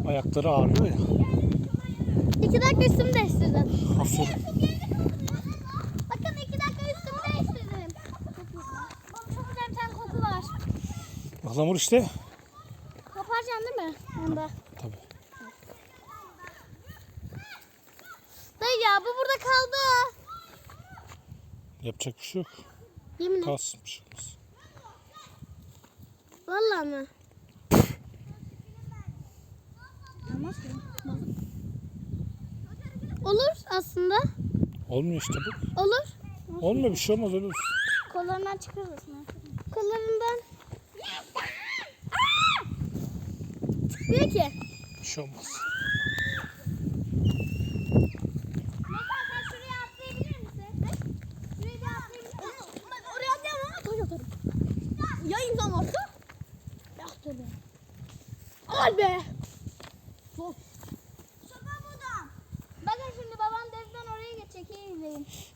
Ayakları ağrıyor ya. 2 dakika üstümü değiştirdim. Aferin. Bakın 2 dakika üstümü değiştirdim. Bana çok güzel bir tane koku var. Ihlamur işte. Koparacaksın değil mi? Onda. Tabii. Dayı ya bu burada kaldı. Yapacak bir şey yok. Yemin et. Kalsın bir şey olmaz. Vallahi mi? Olur aslında. Olmuyor işte bu. Olur. Olmuyor, bir şey olmaz, öyle olsun. Kollarından çıkarırız. Kollarından. Çıkmıyor ki. Bir şey olmaz. Mesela sen şuraya atlayabilir misin? Şuraya bir atlayabilir misin? Ben oraya atlayamam ama taş atarım. Ya imzam varsa? Ya tabii. Al be. Sopa burada. Bakın şimdi babam denizden oraya geçecek. İyi izleyin.